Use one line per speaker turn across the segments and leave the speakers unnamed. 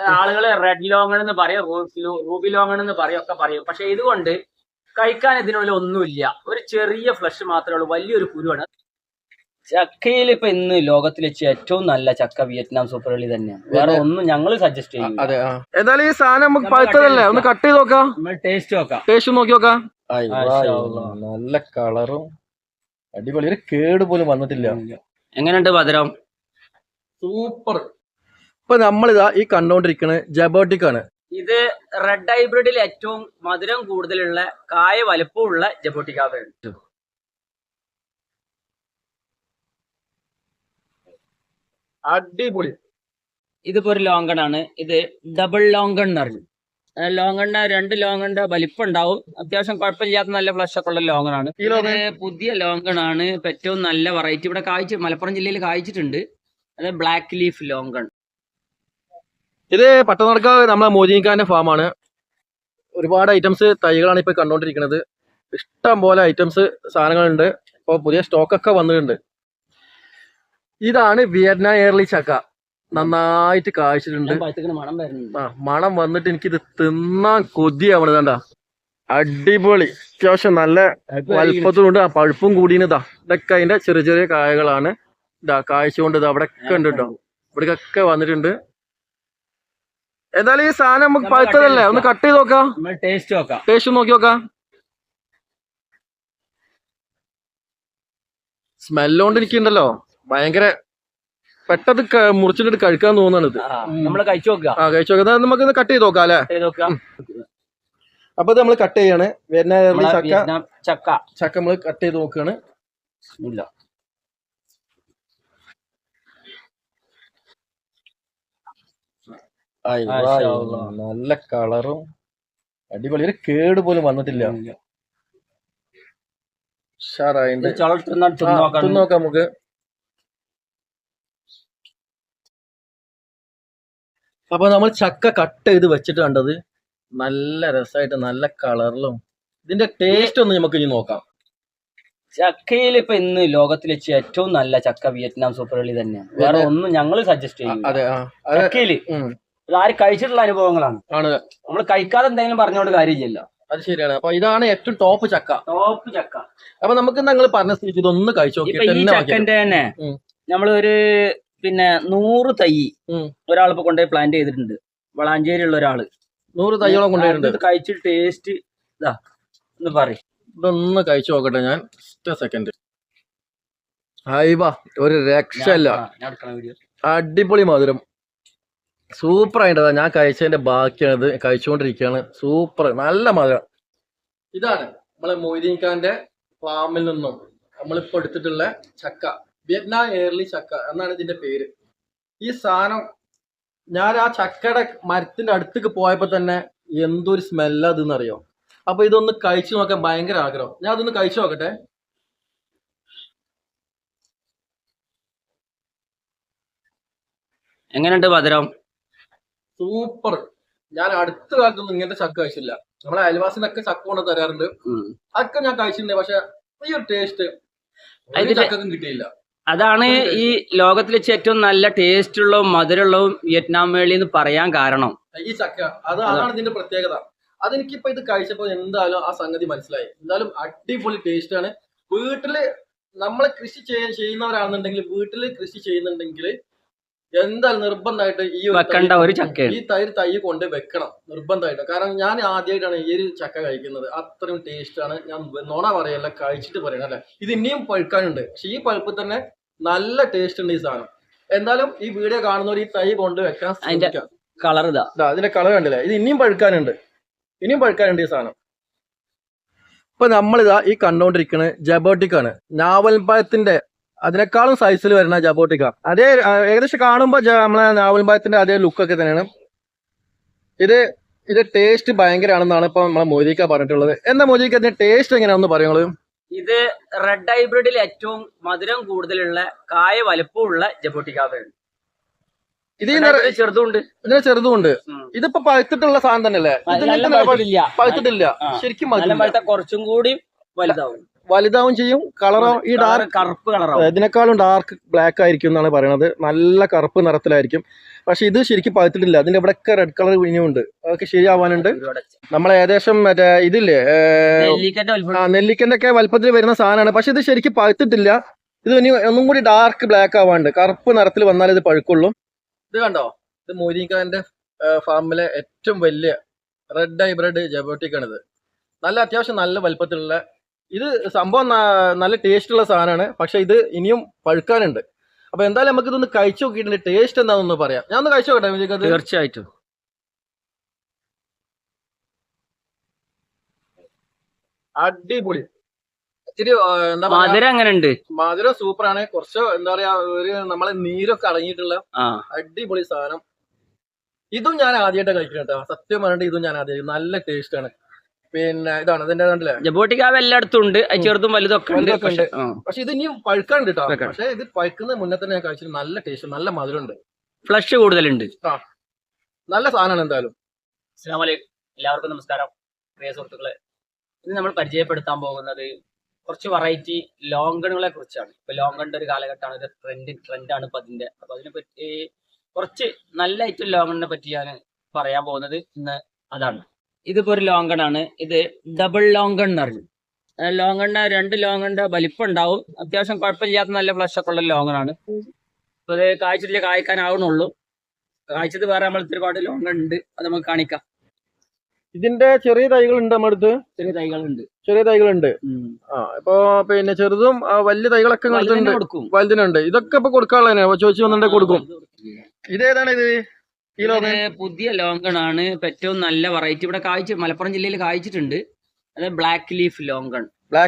ആളുകള് റെഡ് ലോങ്ങൺ എന്ന് പറയും, റൂബി ലോങ്ങൺ എന്ന് പറയും, ഒക്കെ പറയും. പക്ഷെ ഇതുകൊണ്ട് കഴിക്കാൻ ഇതിനുള്ളിൽ ഒന്നുമില്ല, ഒരു ചെറിയ ഫ്ലഷ് മാത്രമേ ഉള്ളൂ, വലിയൊരു കുരുവാണ്. ചക്കയിൽ ഇപ്പൊ ഇന്ന് ലോകത്തിൽ വെച്ച് ഏറ്റവും നല്ല ചക്ക വിയറ്റ്നാം സൂപ്പർ വെള്ളി തന്നെയാണ്. വേറെ ഒന്നും ഞങ്ങൾ സജസ്റ്റ് ചെയ്യും.
അതെ, എന്തായാലും ഈ സാധനം നമുക്ക് പഴുത്തതല്ലേ, ഒന്ന് കട്ട് ചെയ്ത് നോക്കാം,
ടേസ്റ്റ് നോക്കാം,
ടേസ്റ്റ് നോക്കി നോക്കാം. നല്ല കളറും അടിപൊളി, ഒരു കേട് പോലും വന്നിട്ടില്ല.
എങ്ങനെയുണ്ട് മധുരം?
സൂപ്പർ. ഇപ്പൊ നമ്മളിതാ ഈ കണ്ടോണ്ടിരിക്കുന്നത് ജബോട്ടിക് ആണ്.
ഇത് റെഡ് ഹൈബ്രിഡിൽ ഏറ്റവും മധുരം കൂടുതലുള്ള കായ വലുപ്പമുള്ള ജബോട്ടിക്കാണ്.
അടിപൊളി.
ഇതിപ്പോ ഒരു ലോങ്കൺ ആണ്. ഇത് ഡബിൾ ലോങ്കൺ എന്ന് പറഞ്ഞു. ലോങ്കണിന്റെ 2 ലോങ്കണിന്റെ വലിപ്പം ഉണ്ടാവും. അത്യാവശ്യം കുഴപ്പമില്ലാത്ത നല്ല ഫ്ലഷ് ഒക്കെ ഉള്ള ലോങ്കൺ ആണ്. ഇത് പുതിയ ലോങ്കൺ ആണ്. ഇപ്പൊ ഏറ്റവും നല്ല വെറൈറ്റി ഇവിടെ മലപ്പുറം ജില്ലയിൽ കായ്ച്ചിട്ടുണ്ട്. അത് ബ്ലാക്ക് ലീഫ് ലോങ്കൺ.
ഇത് പട്ടണക്കാവ് നമ്മളെ മോദിനിക്കാന്റെ ഫാമാണ്. ഒരുപാട് ഐറ്റംസ് തൈകളാണ് ഇപ്പൊ കണ്ടോണ്ടിരിക്കുന്നത്. ഇഷ്ടം പോലെ ഐറ്റംസ് സാധനങ്ങളുണ്ട്. ഇപ്പൊ പുതിയ സ്റ്റോക്കൊക്കെ വന്നിട്ടുണ്ട്. ഇതാണ് വിയറ്റ്നാം എയർലി ചക്ക. നന്നായിട്ട് കായ്ച്ചിട്ടുണ്ട്. മണം വന്നിട്ട് എനിക്കിത് തിന്നാൻ കൊതിയാവണത്. കണ്ട അടിപൊളി, അത്യാവശ്യം നല്ല വലുപ്പത്തിലുണ്ട്. പഴുപ്പും കൂടിയതാ. ഇതൊക്കെ അതിന്റെ ചെറിയ ചെറിയ കായകളാണ്. ഇതാ കായ്ച്ചുകൊണ്ട് ഇത് അവിടെ ഒക്കെ ഉണ്ട് കേട്ടോ, ഇവിടേക്കൊക്കെ വന്നിട്ടുണ്ട്. എന്തായാലും ഈ സാധനം നമുക്ക് പഴുത്തതല്ലേ, ഒന്ന് കട്ട് ചെയ്ത് നോക്കാം,
ടേസ്റ്റ് നോക്കാം,
ടേസ്റ്റ് നോക്കി നോക്കാം. സ്മെല്ലോണ്ട് എനിക്കുണ്ടല്ലോ ഭയങ്കര പെട്ടെന്ന് മുറിച്ചിട്ട് കഴിക്കാൻ തോന്നുന്നത്.
നമ്മള് കഴിച്ചു നോക്കാം.
കഴിച്ചു നോക്കാം. നമുക്ക് കട്ട് ചെയ്ത് നോക്കാം അല്ലെ. അപ്പൊ ഇത് നമ്മള് കട്ട് ചെയ്യാണ്. ചക്ക നമ്മള് കട്ട് ചെയ്ത് നോക്കുകയാണ്. നല്ല കളറും അടിപൊളി, ഒരു കേട് പോലും വന്നിട്ടില്ല. നോക്കാം നമുക്ക്. അപ്പൊ നമ്മൾ ചക്ക കട്ട് ചെയ്ത് വെച്ചിട്ട് കണ്ടത് നല്ല രസമായിട്ട് നല്ല കളറിലും. ഇതിന്റെ ടേസ്റ്റ് ഒന്ന് നമുക്ക് ഇനി നോക്കാം.
ചക്കയിൽ ഇപ്പൊ ഇന്ന് ലോകത്തിൽ വെച്ച് ഏറ്റവും നല്ല ചക്ക വിയറ്റ്നാം സൂപ്പർ വെള്ളി തന്നെയാണ്. വേറെ ഒന്നും ഞങ്ങൾ സജസ്റ്റ് ചെയ്യും. ചക്കയില് ആര് കഴിച്ചിട്ടുള്ള അനുഭവങ്ങളാണ്. നമ്മൾ കഴിക്കാതെ എന്തെങ്കിലും പറഞ്ഞോണ്ട് കാര്യമില്ലല്ലോ.
അത് ശരിയാണ്. അപ്പൊ ഇതാണ് ഏറ്റവും ടോപ്പ് ചക്ക. അപ്പൊ നമുക്ക് നിങ്ങൾ പറഞ്ഞ സ്ഥിതിക്ക് ഇതൊന്ന് കഴിച്ചു നോക്കി.
ഈ ചക്കന്റെ തന്നെ നമ്മളൊരു 100 തൈ ഒരാളിപ്പോ കൊണ്ടുപോയി പ്ലാന്റ് ചെയ്തിട്ടുണ്ട്. വളാഞ്ചേരി ഉള്ള ഒരാള്
100 തൈയോളം കൊണ്ടുപോയിട്ടുണ്ട്.
കഴിച്ചിട്ട് ടേസ്റ്റ് ഇതാ ഒന്ന് പറയും.
ഇതൊന്ന് കഴിച്ചു നോക്കട്ടെ ഞാൻ. സെക്കൻഡ്. ഒരു രക്ഷയില്ല, അടിപൊളി മധുരം, സൂപ്പർ ആയിട്ടതാ. ഞാൻ കഴിച്ചതിന്റെ ബാക്കിയാണിത്, കഴിച്ചുകൊണ്ടിരിക്കുകയാണ്. സൂപ്പർ, നല്ല മധുരം. ഇതാണ് നമ്മളെ മൊയ്തീൻഖാന്റെ ഫാമിൽ നിന്നും നമ്മളിപ്പോ എടുത്തിട്ടുള്ള ചക്ക, വിയറ്റ്നാം എയർലി ചക്ക എന്നാണ് ഇതിന്റെ പേര്. ഈ സാധനം ഞാൻ ആ ചക്കയുടെ മരത്തിന്റെ അടുത്തേക്ക് പോയപ്പോ തന്നെ എന്തൊരു സ്മെല്ലാ ഇതെന്നറിയോ. അപ്പൊ ഇതൊന്ന് കഴിച്ചു നോക്കാൻ ഭയങ്കര ആഗ്രഹം. ഞാൻ അതൊന്ന് കഴിച്ചു നോക്കട്ടെ.
എങ്ങനെയുണ്ട് മധുരം?
സൂപ്പർ. ഞാൻ അടുത്ത കാലത്തൊന്നും ഇങ്ങനത്തെ ചക്ക കഴിച്ചില്ല. നമ്മളെ അയൽവാസിനൊക്കെ ചക്ക കൊണ്ട് തരാറുണ്ട്, അതൊക്കെ ഞാൻ കഴിച്ചിട്ടുണ്ട്. പക്ഷെ ഈ ഒരു ടേസ്റ്റ് ചക്കും കിട്ടിയില്ല.
അതാണ് ഈ ലോകത്തിൽ വെച്ച് ഏറ്റവും നല്ല ടേസ്റ്റ് ഉള്ളതും മധുരമുള്ളതും വിയറ്റ്നാം വേളി എന്ന് പറയാൻ കാരണം.
ഈ ചക്ക അതാണ് ഇതിന്റെ പ്രത്യേകത. അതെനിക്കിപ്പോ ഇത് കഴിച്ചപ്പോ എന്തായാലും ആ സംഗതി മനസ്സിലായി. എന്തായാലും അടിപൊളി ടേസ്റ്റ് ആണ്. വീട്ടില് നമ്മള് കൃഷി ചെയ്യുന്നവരാണെന്നുണ്ടെങ്കിൽ, വീട്ടില് കൃഷി ചെയ്യുന്നുണ്ടെങ്കിൽ എന്തായാലും നിർബന്ധമായിട്ട് ഈ തൈ കൊണ്ട് വെക്കണം നിർബന്ധമായിട്ട്. കാരണം ഞാൻ ആദ്യമായിട്ടാണ് ഈ ഒരു ചക്ക കഴിക്കുന്നത്. അത്രയും ടേസ്റ്റ് ആണ്. ഞാൻ നോണ പറയല്ല, കഴിച്ചിട്ട് പറയണം അല്ലെ. ഇത് ഇനിയും പഴുക്കാനുണ്ട്, പക്ഷെ ഈ പഴുപ്പ് തന്നെ നല്ല ടേസ്റ്റ് ഉണ്ട് ഈ സാധനം. എന്തായാലും ഈ വീഡിയോ കാണുന്നവർ ഈ തൈ കൊണ്ട് വെക്കാൻ ശ്രമിക്കാം.
കളർ
അതിന്റെ കളർ കണ്ടില്ലേ. ഇത് ഇനിയും പഴുക്കാനുണ്ട് ഈ സാധനം. ഇപ്പൊ നമ്മളിതാ ഈ കണ്ടോണ്ടിരിക്കുന്നത് ജബോട്ടിക് ആണ്. ഞാവൽപ്പഴത്തിന്റെ അതിനേക്കാളും സൈസിൽ വരുന്ന ജബോട്ടിക്ക. അതേ ഏകദേശം കാണുമ്പോ നമ്മളെ ഞാവൽപ്പഴത്തിന്റെ അതേ ലുക്കൊക്കെ തന്നെയാണ്. ഇത് ടേസ്റ്റ് ഭയങ്കരമാണെന്നാണ് ഇപ്പൊ നമ്മളെ മോദിക്ക പറഞ്ഞിട്ടുള്ളത്. എന്താ മോദിക്ക ഇതിന്റെ ടേസ്റ്റ് എങ്ങനെയാണെന്ന് പറയുന്നത്?
ഇത് റെഡ് ഹൈബ്രിഡിൽ ഏറ്റവും മധുരം കൂടുതലുള്ള കായ വലുപ്പമുള്ള ജബോട്ടിക്കാണ്.
ഇതിന് ചെറുതുണ്ട്. ഇതിപ്പോ പഴുത്തിട്ടുള്ള സാധനം തന്നെയല്ലേ? പഴുത്തിട്ടില്ല ശരിക്കും.
കുറച്ചും കൂടി
വലുതാവും ചെയ്യും. കളറോ ഈ കറുപ്പ് കളറോ ഇതിനേക്കാളും ഡാർക്ക് ബ്ലാക്ക് ആയിരിക്കും എന്നാണ് പറയുന്നത്. നല്ല കറുപ്പ് നിറത്തിലായിരിക്കും. പക്ഷെ ഇത് ശരിക്കും പഴുത്തിട്ടില്ല. അതിന്റെ ഇവിടെയൊക്കെ റെഡ് കളർ ഇനിയും ഉണ്ട്. അതൊക്കെ ശരിയാവാനുണ്ട്. നമ്മൾ ഏകദേശം മറ്റേ ഇതില്ലേ നെല്ലിക്കന്റെ ഒക്കെ വലുപ്പത്തിൽ വരുന്ന സാധനമാണ്. പക്ഷെ ഇത് ശരിക്കും പഴുത്തിട്ടില്ല. ഇത് ഇനി ഒന്നും കൂടി ഡാർക്ക് ബ്ലാക്ക് ആവാണ്ട് കറുപ്പ് നിറത്തിൽ വന്നാലേ ഇത് പഴുക്കുള്ളൂ. ഇത് കണ്ടോ, ഇത് മൊയ്തീൻഖാന്റെ ഫാമിലെ ഏറ്റവും വലിയ റെഡ് ഹൈബ്രിഡ് ജബോട്ടിക്കാണിത്. നല്ല അത്യാവശ്യം നല്ല വലുപ്പത്തിലുള്ള ഇത് സംഭവം നല്ല ടേസ്റ്റ് ഉള്ള സാധനമാണ്. പക്ഷെ ഇത് ഇനിയും പഴുക്കാനുണ്ട്. അപ്പൊ എന്തായാലും നമുക്ക് ഇതൊന്ന് കഴിച്ചു നോക്കിയിട്ടുണ്ട്. ടേസ്റ്റ് എന്താണെന്ന് പറയാം. ഞാൻ ഒന്ന് കഴിച്ചു നോക്കട്ടെ.
തീർച്ചയായിട്ടും
അടിപൊളി. ഇച്ചിരി എന്താ
മധുരം അങ്ങനെ ഉണ്ട്.
മധുരം സൂപ്പറാണ്. കുറച്ച് എന്താ പറയാ ഒരു നമ്മളെ നീരൊക്കെ അടങ്ങിയിട്ടുള്ള അടിപൊളി സാധനം. ഇതും ഞാൻ ആദ്യമായിട്ട് കഴിക്കണം കേട്ടോ. സത്യം പറഞ്ഞിട്ട് ഇതും ഞാൻ ആദ്യമായിട്ട്. നല്ല ടേസ്റ്റ് ആണ്. പിന്നെ ഇതാണ് ഇതിന്റെ കണ്ടില്ലേ,
ജബോട്ടിക്കാവ് എല്ലായിടത്തും ഉണ്ട്. ചെറുതും വലുതൊക്കെ ഉണ്ട്.
പക്ഷെ ഇത് ഇനിയും പഴുക്കാണ്ട് കേട്ടോ. പക്ഷെ ഇത് പഴുക്കുന്ന മുന്നേ തന്നെ ഞാൻ കഴിച്ചിട്ട് നല്ല ടേസ്റ്റ്, നല്ല മധുരം ഉണ്ട്,
ഫ്ലഷ് കൂടുതലുണ്ട്.
നല്ല സാധനമാണ് എന്തായാലും.
അസ്സലാമു അലൈക്കും, എല്ലാവർക്കും നമസ്കാരം. പ്രിയ സുഹൃത്തുക്കളെ, ഇന്ന് നമ്മൾ പരിചയപ്പെടുത്താൻ പോകുന്നത് കുറച്ച് വെറൈറ്റി ലോങ്കണുകളെ കുറിച്ചാണ്. ഇപ്പൊ ലോങ്കണിന്റെ ഒരു കാലഘട്ടമാണ്, ഒരു ട്രെൻഡാണ് ഇപ്പൊ അതിന്റെ. അപ്പൊ അതിനെ പറ്റി കുറച്ച് നല്ല ഐറ്റം ലോങ്കണിനെ പറ്റി ഞാൻ പറയാൻ പോകുന്നത് ഇന്ന് അതാണ്. ഇതിപ്പോ ഒരു ലോങ്കണാണ്. ഇത് ഡബിൾ ലോങ്കൺ എന്ന് പറഞ്ഞു. ലോങ്കണിന്റെ രണ്ട് ലോങ്കണിന്റെ വലിപ്പം ഉണ്ടാവും. അത്യാവശ്യം കുഴപ്പമില്ലാത്ത നല്ല ഫ്ലഷ് ഒക്കെ ഉള്ള ലോങ്കണാണ്. ഇപ്പൊ ഇത് കാഴ്ചയിൽ കായ്ക്കാനാവുന്നുള്ളൂ. കാഴ്ചത് വേറെ നമ്മൾ ഒരുപാട് ലോങ്കൺ ഉണ്ട്, അത് നമുക്ക് കാണിക്കാം.
ഇതിന്റെ ചെറിയ തൈകളുണ്ട് നമ്മുടെ അടുത്ത്. ചെറിയ തൈകളുണ്ട്. ഇപ്പൊ പിന്നെ ചെറുതും വലിയ തൈകളൊക്കെ വലുതിനുണ്ട്. ഇതൊക്കെ ഇപ്പൊ കൊടുക്കാനുള്ളതിനെ ചോദിച്ചു വന്നിട്ട് കൊടുക്കും. ഇതേതാണ് ഇത്?
പുതിയ ലോങ്കൺ ആണ്. ഏറ്റവും നല്ല വെറൈറ്റി ഇവിടെ മലപ്പുറം ജില്ലയിൽ കായ്ച്ചിട്ടുണ്ട്. അത് ബ്ലാക്ക് ലീഫ് ലോങ്കൺ.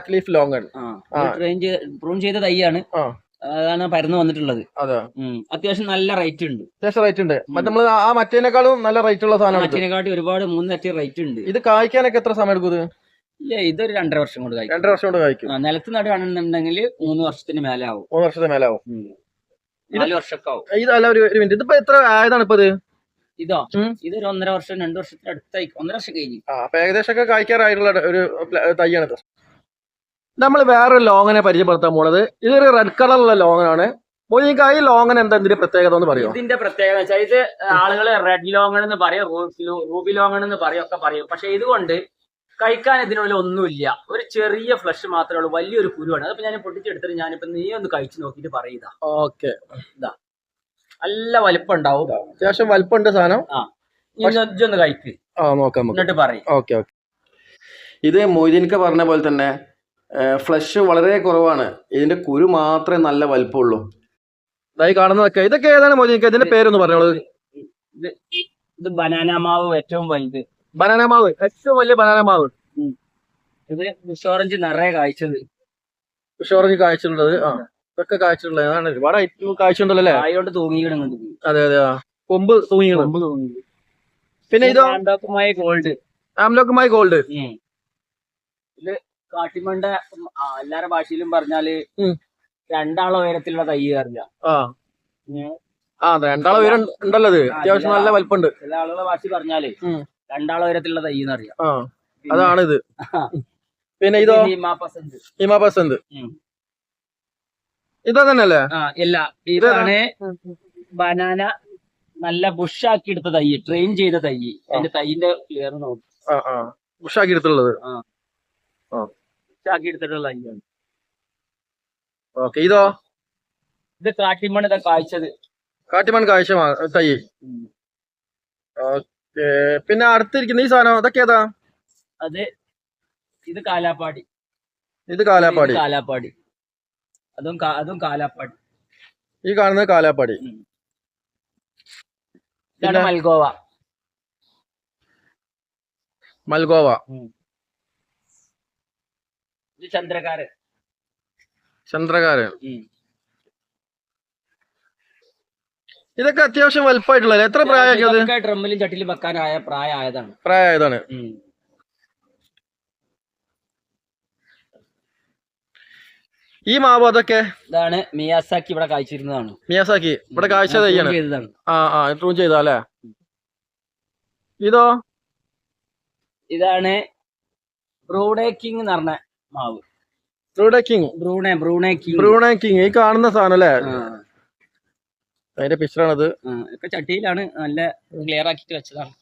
പ്രൂൺ ചെയ്ത തൈയാണ്. അതാണ് പരന്ന് വന്നിട്ടുള്ളത്. അത്യാവശ്യം നല്ല റേറ്റ് ഉണ്ട്.
നമ്മള് ആ മറ്റേനേക്കാളും നല്ല റേറ്റ് ഉള്ള സാധനം.
മറ്റേനെക്കാട്ടി ഒരുപാട് 3 റേറ്റ് ഉണ്ട്.
ഇത് കായ്ക്കാനൊക്കെ എത്ര സമയം എടുക്കും?
ഇല്ല, ഇതൊരു 2.5 വർഷം കൊണ്ട് കായ്ക്കും.
2.5 വർഷം കൊണ്ട് കായ്ക്കും.
നിലത്ത് നടുകയാണെന്നുണ്ടെങ്കിൽ 3 വർഷത്തിന് മേലെ ആവും.
3 വർഷത്തിന് മേലെ ആവും.
4 വർഷമൊക്കെ ആവും.
ഇതല്ല ഒരു മിനിറ്റ്, ഇതിപ്പോ എത്ര ആയതാണ് ഇപ്പൊ?
ഇതൊരു 1.5 വർഷം 2 വർഷത്തിന് അടുത്തായി. 1.5 വർഷം കഴിഞ്ഞു.
അപ്പൊ ഏകദേശം ഒക്കെ കായ്ക്കാറായിട്ടുള്ള ഒരു തൈയാണിത്. നമ്മൾ വേറൊരു ലോങ്ങനെ പരിചയപ്പെടുത്താൻ പോണത്. ഇതൊരു റെഡ് കളറുള്ള ലോങ്ങനാണ്. ഈ ലോങ്ങൻ എന്താ ഇതിന്റെ പ്രത്യേകത എന്ന് പറയും?
ഇതിന്റെ പ്രത്യേകത വെച്ചാൽ ഇത് ആളുകള് റെഡ് ലോങ്ങൺ എന്ന് പറയും, റൂബി ലോങ്ങൺ എന്ന് പറയും, ഒക്കെ പറയും. പക്ഷെ ഇതുകൊണ്ട് കഴിക്കാൻ ഇതിനുള്ളിൽ ഒന്നുമില്ല. ഒരു ചെറിയ ഫ്ലഷ് മാത്രമേ ഉള്ളൂ. വലിയൊരു കുരുവാണ്. അതിപ്പോ ഞാൻ പൊട്ടിച്ചെടുത്തിട്ട് ഞാനിപ്പോ നീ ഒന്ന് കഴിച്ചു നോക്കിട്ട് പറയുക.
ഓക്കെ,
ഇതാ നല്ല വലിപ്പം ഉണ്ടാവും.
അത്യാവശ്യം വലിപ്പമുണ്ട് സാധനം.
ഇതൊന്ന് കഴിക്ക്,
നോക്കാം,
എന്നിട്ട് പറയും.
ഓക്കെ. ഇത് മൊയ്തീൻക പറഞ്ഞ പോലെ തന്നെ ഫ്ലഷ് വളരെ കുറവാണ്. ഇതിന്റെ കുരു മാത്രമേ നല്ല വലിപ്പമുള്ളൂ. ഇതായി കാണുന്നതൊക്കെ. ഇതൊക്കെ ഏതാണ് മൊയ്തീൻക? ഇതിന്റെ പേരൊന്ന് പറഞ്ഞോളൂ.
ഇത് ബനാന മാവ് ഏറ്റവും വലുത്.
ബനാന മാവ് ഏറ്റവും വലിയ ബനാന മാവ്.
ഇത് ബുഷോറഞ്ച് നിറയെ കായ്ച്ചത്.
ബുഷോറഞ്ച് കായ്ച്ചിട്ടുള്ളത്. ഇതൊക്കെ കായ്ച്ചിട്ടുള്ളത്. അതാണ് ഒരുപാട് ഐറ്റം കായ്ച്ചിട്ടുണ്ടല്ലോ അല്ലേ?
കായോണ്ട് തൂങ്ങിക്കിടുന്നുണ്ട്.
അതെ. കൊമ്പ് തൂങ്ങി. പിന്നെ ഇതോ ആംലോക്കുമായി ഗോൾഡ്.
ഇത് കാട്ടിമണ്ട എല്ലാരുടെ ഭാഷയിലും പറഞ്ഞാല് 2 ഉയരത്തിലുള്ള തൈ അറിയാം.
2 ഉയരം ഉണ്ടല്ലോ. അത്യാവശ്യം നല്ല വലിപ്പമുണ്ട്.
ചില ആളുകളുടെ ഭാഷ പറഞ്ഞാല് 2 ഉയരത്തിലുള്ള തൈ എന്നറിയാം.
അതാണിത്. പിന്നെ ഇതോ ഹിമാപസന്ത്. ഇതാ തന്നെയല്ലേ?
ഇല്ല, ഇതാണ് ബനാന. നല്ല ബുഷാക്കി എടുത്ത തൈ, ട്രെയിൻ ചെയ്ത തൈ. അതിന്റെ തൈന്റെ ക്ലിയർ നോക്കും.
ബുഷാക്കി എടുത്തുള്ളത്.
ബുഷാക്കി എടുത്തിട്ടുള്ള തൈയാണ്.
ഓക്കെ. ഇതോ?
ഇത് കാട്ടിമൺ. ഇതാ കായ്ച്ചത്.
കാട്ടിമൺ കാഴ്ച തൈ. ഓക്കെ. പിന്നെ അടുത്തിരിക്കുന്ന ഈ സാധനം അതൊക്കെ ഏതാ?
ഇത് കാലാപ്പാടി.
കാലാപ്പാടി.
അതും കാലാപ്പാടി.
ഈ കാണുന്നത് കാലാപ്പാടി.
ഇതാണ് മൽഗോവ. ഇത് ചന്ദ്രകാരൻ. ഇതൊക്കെ അത്യാവശ്യം വലുപ്പമായിട്ടുള്ളത്. എത്ര പ്രായമാക്കിയത്? ഡ്രമ്മിലും ചട്ടിലും വെക്കാനായ
പ്രായമായതാണ്. ഈ മാവ് അതൊക്കെ
ഇതാണ് മിയാസാക്കി. ഇവിടെ കായ്ച്ചിരുന്നതാണ്.
മിയാസാക്കി ഇവിടെ കാഴ്ച തയ്യാണ്. ട്രൂൺ ചെയ്തല്ലേ? ഇതോ?
ഇതാണ് ബ്രൂണേ കിങ് എന്ന് പറഞ്ഞ മാവ്.
Brunei king.
ഈ കാണുന്ന
സാധനം അല്ലേ? അതിന്റെ പിക്ചറാണത്.
ഒക്കെ ചട്ടിയിലാണ് നല്ല ക്ലിയർ ആക്കിയിട്ട് വെച്ചതാണ്.